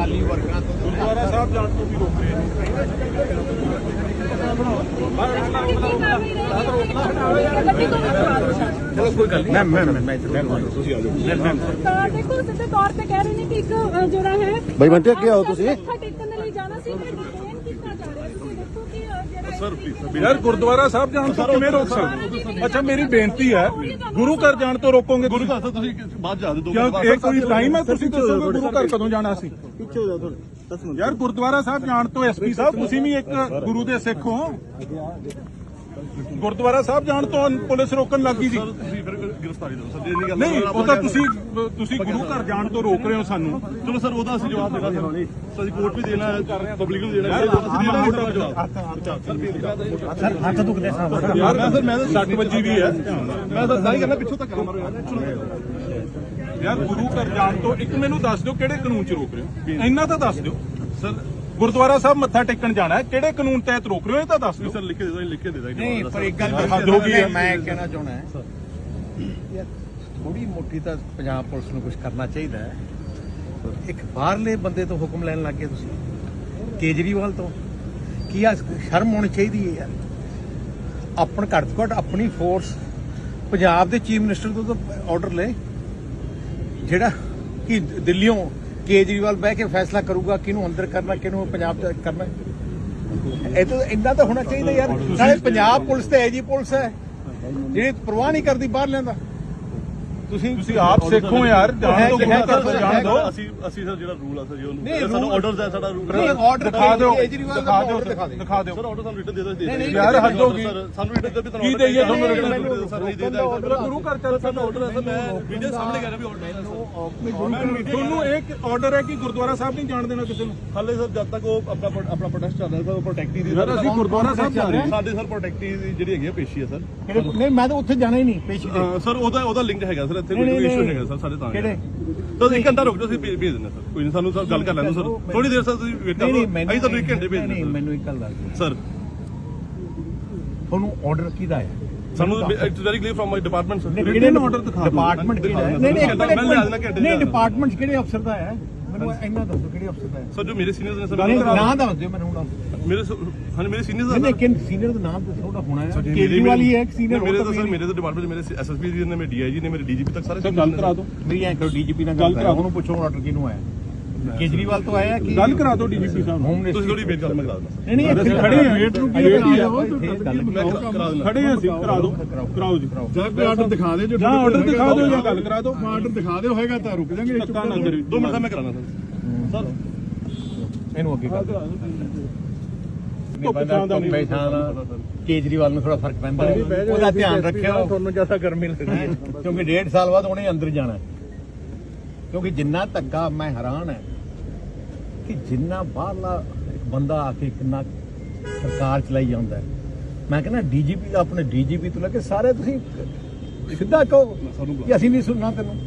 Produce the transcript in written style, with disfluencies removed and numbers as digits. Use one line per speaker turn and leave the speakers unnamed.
ਅਕਾਲੀ ਵਰਕਰਾਂ ਤੋਂ
ਗੁਰਦੁਆਰਾ ਸਾਹਿਬ ਜਾਣ ਤੋਂ ਵੀ ਰੋਕ ਰਹੇ ਨੇ।
ਚਲੋ ਕੋਈ ਗੱਲ ਨਹੀਂ ਮੈਂ
ਤੁਸੀਂ ਆ ਜਾਓ।
ਤਾਂ ਦੇਖੋ ਸਿੱਧੇ ਤੌਰ ਤੇ ਕਹਿ ਰਹੇ ਨੇ ਕਿ ਇੱਕ ਜਿਹੜਾ ਹੈ
ਬਈ ਬੰਟੇ ਅੱਗੇ ਆਓ ਤੁਸੀਂ।
ਮੱਥਾ ਟੇਕਣ ਦੇ ਲਈ ਜਾਣਾ ਸੀ ਮੈਂ ਡਿਟੇਨ ਕੀਤਾ ਜਾ ਰਿਹਾ ਤੁਸੀਂ ਦੇਖੋ ਕਿ ਜਿਹੜਾ
ਸਰ ਪਲੀਜ਼ ਯਾਰ ਗੁਰਦੁਆਰਾ ਸਾਹਿਬ ਜਾਣ ਤੋਂ ਕਿਵੇਂ ਰੋਕ ਸਕਦੇ? ਅੱਛਾ ਮੇਰੀ ਬੇਨਤੀ ਹੈ ਗੁਰੂ ਘਰ ਜਾਣ ਤੋਂ ਰੋਕੋਗੇ? ਗੁਰੂ ਘਰ ਤੁਸੀਂ ਬਾਅਦ ਜਾ ਦਿਓ। ਕਿਉਂ ਇਹ ਕੋਈ ਟਾਈਮ ਹੈ? ਤੁਸੀਂ ਦੱਸੋਗੇ ਗੁਰੂ ਘਰ ਕਦੋਂ ਜਾਣਾ ਸੀ?
ਪਿੱਛੇ ਹੋ ਜਾਓ ਥੋੜੇ 10 ਮਿੰਟ।
ਯਾਰ ਗੁਰਦੁਆਰਾ ਸਾਹਿਬ ਜਾਣ ਤੋਂ ਐਸਪੀ ਸਾਹਿਬ ਤੁਸੀਂ ਵੀ ਇੱਕ ਗੁਰੂ ਦੇ ਸਿੱਖ ਹੋ। ਗੁਰਦੁਆਰਾ ਸਾਹਿਬ ਜਾਣ ਤੋਂ ਪੁਲਿਸ ਰੋਕਣ ਲੱਗੀ ਸੀ।
ਤੁਸੀਂ ਫਿਰ ਗ੍ਰਿਫਤਾਰੀ ਦਿਓ ਸਰ, ਇਹ ਨਹੀਂ ਗੱਲ
ਨਹੀਂ ਉਹ ਤਾਂ ਤੁਸੀਂ ਗੁਰੂ ਘਰ ਜਾਣ ਤੋਂ ਰੋਕ ਰਹੇ ਹੋ ਸਾਨੂੰ।
ਚਲੋ ਸਰ ਉਹਦਾ ਅਸੀਂ ਜਵਾਬ ਦੇਣਾ ਸਰ, ਅਸੀਂ ਕੋਰਟ ਵੀ ਦੇਣਾ ਹੈ, ਪਬਲਿਕ ਨੂੰ ਦੇਣਾ ਹੈ।
ਸਰ ਹੱਥ ਦੁਖਦੇ ਸਾਹਿਬ
ਯਾਰ ਮੈਂ ਤਾਂ 60 ਵਜੇ ਵੀ ਹੈ।
ਮੈਂ ਤਾਂ ਨਹੀਂ ਕਰਨਾ, ਪਿੱਛੋਂ ਤੱਕ ਮਾਰੋ
ਯਾਰ ਗੁਰੂ ਘਰ ਜਾਣ ਤੋਂ ਇੱਕ ਮੈਨੂੰ ਦੱਸ ਦਿਓ ਕਿਹੜੇ ਕਾਨੂੰਨ 'ਚ ਰੋਕ ਰਹੇ ਹੋ? ਇੰਨਾ ਤਾਂ ਦੱਸ ਦਿਓ।
ਸਰ
ਗੁਰਦੁਆਰਾ ਸਾਹਿਬ ਮੱਥਾ ਟੇਕਣ ਜਾਣਾ ਹੈ, ਕਿਹੜੇ ਕਾਨੂੰਨ ਤਹਿਤ ਰੋਕ ਰਹੇ ਹੋ ਇਹ ਤਾਂ ਦੱਸ ਦਿਓ।
ਸਰ ਲਿਖ ਕੇ ਦੇ ਦਾਂਗੇ।
ਨਹੀਂ ਪਰ ਇੱਕ ਗੱਲ
ਹੱਦ ਹੋ ਗਈ ਹੈ।
ਮੈਂ ਕਹਿਣਾ ਚਾਹੁੰਦਾ ਯਾਰ ਥੋੜੀ ਮੋਟੀ ਤਾਂ ਪੰਜਾਬ ਪੁਲਿਸ ਨੂੰ ਕੁਝ ਕਰਨਾ ਚਾਹੀਦਾ ਹੈ। ਇੱਕ ਬਾਹਰਲੇ ਬੰਦੇ ਤੋਂ ਹੁਕਮ ਲੈਣ ਲੱਗ ਗਏ ਤੁਸੀਂ, ਕੇਜਰੀਵਾਲ ਤੋਂ। ਕੀ ਆ ਸ਼ਰਮ ਹੋਣੀ ਚਾਹੀਦੀ ਹੈ ਯਾਰ। ਆਪਣ ਘੱਟ ਤੋਂ ਘੱਟ ਆਪਣੀ ਫੋਰਸ ਪੰਜਾਬ ਦੇ ਚੀਫ ਮਿਨਿਸਟਰ ਤੋਂ ਤਾਂ ਆਰਡਰ ਲੈ, ਜਿਹੜਾ ਕਿ ਦਿੱਲੀੋਂ ਕੇਜਰੀਵਾਲ ਬਹਿ ਕੇ ਫੈਸਲਾ ਕਰੂਗਾ ਕਿਹਨੂੰ ਅੰਦਰ ਕਰਨਾ ਕਿਹਨੂੰ ਪੰਜਾਬ ਚ ਕਰਨਾ। ਇਹ ਤਾਂ ਇੰਨਾ ਤਾਂ ਹੋਣਾ ਚਾਹੀਦਾ ਯਾਰ। ਨਾਲੇ ਪੰਜਾਬ ਪੁਲਿਸ ਤੇ ਐਜੀ ਪੁਲਿਸ ਹੈ ਜਿਹੜੀ ਪਰਵਾਹ ਨਹੀਂ ਕਰਦੀ ਬਾਹਰ ਲੈਂਦਾ।
ਤੁਸੀਂ ਆਪ ਸਿੱਖੋ ਯਾਰ, ਜਾਣ ਤੋਂ ਗੁਰੂ ਘਰ ਤੋਂ ਜਾਣ ਦਿਓ।
ਅਸੀਂ ਸਰ ਜਿਹੜਾ ਰੂਲ ਆ ਸਰ ਜੀ ਉਹਨੂੰ ਸਾਨੂੰ ਆਰਡਰਸ ਹੈ, ਸਾਡਾ ਰੂਲ
ਆਰਡਰ
ਦਿਖਾ ਦਿਓ
ਕੇਜਰੀਵਾਲ ਦਾ ਆਰਡਰ ਦਿਖਾ ਦਿਓ।
ਸਰ ਆਰਡਰ ਸਾਨੂੰ ਰਿਟਨ ਦੇ ਦਿਓ।
ਯਾਰ ਹੱਦ ਹੋ ਗਈ।
ਸਾਨੂੰ ਰਿਟਨ ਦੇ ਵੀ ਤੁਹਾਨੂੰ
ਕੀ ਦੇਈਏ ਤੁਹਾਨੂੰ ਰਿਟਨ?
ਸਰ ਨਹੀਂ ਦੇਦਾ
ਗੁਰੂ ਘਰ ਚੱਲ
ਸਾਡਾ ਆਰਡਰ ਹੈ ਸਰ, ਮੈਂ ਵੀਡੀਓ ਸਾਹਮਣੇ ਕਰ ਰਿਹਾ ਵੀ ਆਰਡਰ ਹੈ।
ਤੁਹਾਨੂੰ ਇੱਕ ਆਰਡਰ ਹੈ ਕਿ ਗੁਰਦੁਆਰਾ ਸਾਹਿਬ ਨਹੀਂ ਜਾਣ ਦੇਣਾ ਕਿਸੇ ਨੂੰ।
ਹਾਲੇ ਸਰ ਜਦ ਤੱਕ ਉਹ ਆਪਣਾ ਪ੍ਰੋਟੈਸਟ ਚੱਲ ਰਿਹਾ ਸਰ, ਪ੍ਰੋਟੈਕਟੀ ਦੀ
ਯਾਰ ਅਸੀਂ ਗੁਰਦੁਆਰਾ ਸਾਹਿਬ ਜਾ ਰਹੇ ਹਾਂ।
ਸਾਡੇ ਸਰ ਪ੍ਰੋਟੈਕਟੀ ਦੀ ਜਿਹੜੀ ਹੈਗੀ ਆ ਪੇਸ਼ੀ ਹੈ ਸਰ।
ਨਹੀਂ ਮੈਂ ਤਾਂ ਉੱਥੇ ਜਾਣਾ ਹੀ ਨਹੀਂ ਪੇਸ਼ੀ ਤੇ।
ਸਰ ਉਹਦਾ ਲਿੰਕ ਹੈਗਾ ਸਰ, ਇੱਥੇ ਕੋਈ ਇਸ਼ੂ ਹੈਗਾ ਸਰ ਸਾਡੇ ਤਾਂ।
ਕਿਹੜੇ?
ਤਾਂ 1 ਘੰਟਾ ਰੁਕ ਜਾਓ, ਅਸੀਂ ਭੇਜ ਦਿੰਦੇ ਸਰ। ਕੋਈ ਨਹੀਂ, ਸਾਨੂੰ ਸਰ ਗੱਲ ਕਰ ਲੈਣ ਦਿਓ ਸਰ, ਥੋੜੀ ਦੇਰ ਸਰ ਤੁਸੀਂ ਵੇਟ ਕਰੋ। ਅਸੀਂ ਤੁਹਾਨੂੰ 1 ਘੰਟੇ ਭੇਜ ਦਿੰਦੇ
ਨਹੀਂ ਮੈਨੂੰ ਇੱਕ ਗੱਲ ਦੱਸ ਦਿਓ
ਸਰ।
ਤੁਹਾਨੂੰ ਆਰਡਰ ਕਿਹਦਾ ਹੈ?
ਸਾਨੂੰ it's very clear from my department sir.
ਕਿਹੜੇ ਆਰਡਰ ਦਿਖਾ ਡਿਪਾਰਟਮੈਂਟ ਕਿਹੜਾ ਹੈ? ਨਹੀਂ ਡਿਪਾਰਟਮੈਂਟ ਕਿਹੜੇ ਅਫਸਰ ਦਾ ਹੈ? ਮੈਨੂੰ ਇੰਨਾ ਦੱਸੋ ਕਿਹੜੇ ਅਫਸਰ ਦਾ ਹੈ?
ਸਰ ਜੋ ਮੇਰੇ ਸੀਨੀਅਰਸ ਨੇ ਸਰ,
ਨਾਮ ਦੱਸ ਦਿਓ ਮੈਨੂੰ ਹੁਣ।
ਮੇਰੇ ਸੀਨੀਅਰਸ
ਨਹੀਂ ਲੇਕਿਨ ਸੀਨੀਅਰ ਦਾ ਨਾਮ ਦੱਸੋ ਉਹਦਾ ਹੋਣਾ ਹੈ। ਕੇਜਰੀਵਾਲ ਹੀ ਹੈ ਇੱਕ ਸੀਨੀਅਰ।
ਮੇਰੇ ਤਾਂ ਸਰ ਮੇਰੇ ਤਾਂ ਡਿਪਾਰਟਮੈਂਟ ਮੇਰੇ ਐਸਐਸਪੀ ਜੀ ਨੇ, ਮੇਰੇ ਡੀਆਈਜੀ ਨੇ, ਮੇਰੇ ਡੀਜੀਪੀ ਤੱਕ ਸਾਰੇ
ਗੱਲ ਕਰਾ ਦਿਓ।
ਮੇਰੀ ਐਂ ਕਰੋ ਡੀਜੀਪੀ ਨਾਲ ਗੱਲ ਕਰਾ, ਉਹਨੂੰ ਪੁੱਛੋ ਆਰਡਰ ਕਿਹਨੂੰ ਆਇਆ। ਕੇਜਰੀਵਾਲ ਤੋਂ ਆਇਆ ਕਿ
ਗੱਲ ਕਰਾ ਦਿਓ ਡੀਜੀਪੀ ਸਾਹਿਬ ਨੂੰ।
ਹੋਮ
ਤੁਸੀਂ
ਮਿਨਿਸਟਰ?
ਥੋੜੀ ਵੇਟ ਕਰ, ਮੈਂ ਕਰਾ ਦਿੰਦਾ।
ਨਹੀਂ
ਅਸੀਂ ਖੜੇ ਹਾਂ, ਵੇਟ ਨੂੰ ਕੀ
ਵੇਟ
ਕਰਾ
ਹੀ
ਦਿਓ।
ਮੈਂ ਕਰਾ ਦਿੰਦਾ।
ਖੜੇ ਹਾਂ ਅਸੀਂ, ਕਰਾ ਦਿਓ ਕਰਾਓ ਜੀ।
ਜਾਂ ਕੋਈ ਆਰਡਰ ਦਿਖਾ ਦਿਓ, ਜੋ
ਜਾਂ ਆਰਡਰ ਦਿਖਾ ਦਿਓ ਜਾਂ ਗੱਲ ਕਰਾ ਦਿਓ।
ਆਰਡਰ ਦਿਖਾ ਦਿਓ ਹੋਏਗਾ ਤਾਂ ਰੁਕ ਜਾਾਂਗੇ।
ਧੱਕਾ ਨਾ ਕਰਿਓ।
2 ਮਿੰਟ ਮੈਂ ਕਰਾਣਾ ਸਰ।
ਇਹਨੂੰ ਅੱਗੇ ਕਰ ਕੇਜਰੀਵਾਲ ਨੂੰ ਥੋੜਾ ਫਰਕ ਪੈਂਦਾ, ਉਹਦਾ ਧਿਆਨ ਰੱਖਿਓ। ਤੁਹਾਨੂੰ ਜਿਆਦਾ ਗਰਮੀ ਲੱਗਦੀ ਕਿਉਂਕਿ 1.5 ਸਾਲ ਬਾਅਦ ਉਹਨੇ ਅੰਦਰ ਜਾਣਾ। ਕਿਉਂਕਿ ਜਿੰਨਾ ਧੱਕਾ ਮੈਂ ਹੈਰਾਨ ਹੈ ਕਿ ਜਿੰਨਾ ਬਾਹਰਲਾ ਇੱਕ ਬੰਦਾ ਆ ਕੇ ਕਿੰਨਾ ਸਰਕਾਰ ਚਲਾਈ ਜਾਂਦਾ ਹੈ। ਮੈਂ ਕਹਿੰਦਾ ਡੀਜੀਪੀ ਦਾ ਆਪਣੇ ਡੀਜੀਪੀ ਤੋਂ ਲੈ ਕੇ ਸਾਰੇ ਤੁਸੀਂ ਸਿੱਧਾ ਕਹੋ ਕਿ ਅਸੀਂ ਨਹੀਂ ਸੁਣਨਾ ਤੈਨੂੰ।